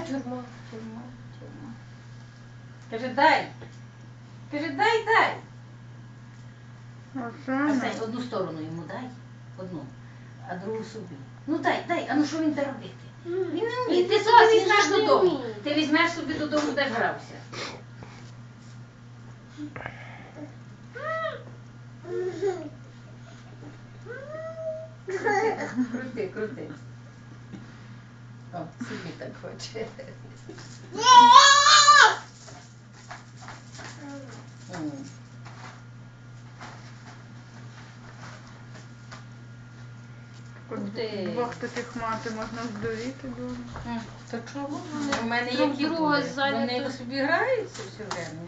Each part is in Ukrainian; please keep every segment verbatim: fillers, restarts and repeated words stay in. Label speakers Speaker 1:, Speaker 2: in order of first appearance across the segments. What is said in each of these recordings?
Speaker 1: тюрма.
Speaker 2: Тюрма, тюрма. Каже, дай. Каже, дай, дай. Арсень, одну сторону йому дай. Одну. А другу собі. Ну дай, дай, а ну що він те робити? Він не вміє. Ти собі візьмеш додому. Ти візьмеш собі додому, де грався. Крути, крути. О, собі так хоче.
Speaker 3: Двох таких мати можна здуріти дуже.
Speaker 2: То чого? У мене які були? Вони собі граються все время.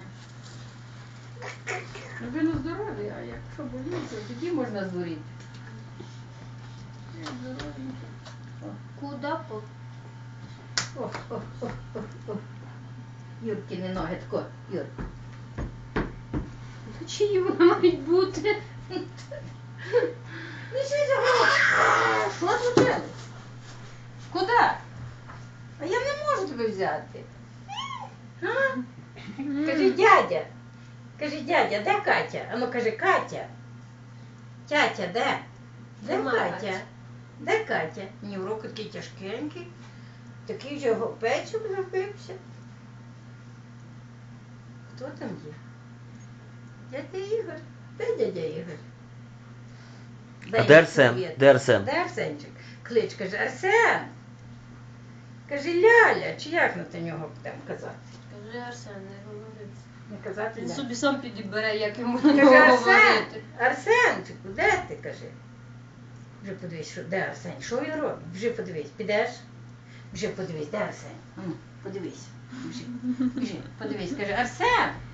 Speaker 2: Ну він здоровий, а якщо боліться, тоді можна здуріти.
Speaker 1: Куда по?
Speaker 2: О, о, о, о, о. Юркіни ноги, тако, Юр.
Speaker 1: Чиї вони мають бути?
Speaker 2: Ну що це? Що случилось? Куда? А я не можу тебе взяти. А? Кажи, дядя. Кажи, дядя, де Катя? А ну кажи, Катя. Тятя, де? Де
Speaker 1: Нема
Speaker 2: Катя?
Speaker 1: Каті.
Speaker 2: Де Катя? Ні, в руки такий тяжкенький. Такий вже гопечок зробився. Хто там є? Дядя Ігор. Де дядя Ігор?
Speaker 4: А де Арсен? Де Арсен?
Speaker 2: Де Арсенчик? Клич, каже, Арсен. Каже, Ляля, чи як на нього будемо казати?
Speaker 1: Кажи, Арсен, не говори.
Speaker 2: Не казати
Speaker 1: Він
Speaker 2: Ляля.
Speaker 1: собі сам підібере, як йому на
Speaker 2: Каже,
Speaker 1: нього
Speaker 2: Арсен,
Speaker 1: говорити.
Speaker 2: Арсенчику, де ти, каже? Вже подивись, що, де Арсен? Що він робить? Вже подивись, підеш? Вже подивись, де Арсен? Ну, подивись. Біжи, біжи, подивись, каже, Арсен,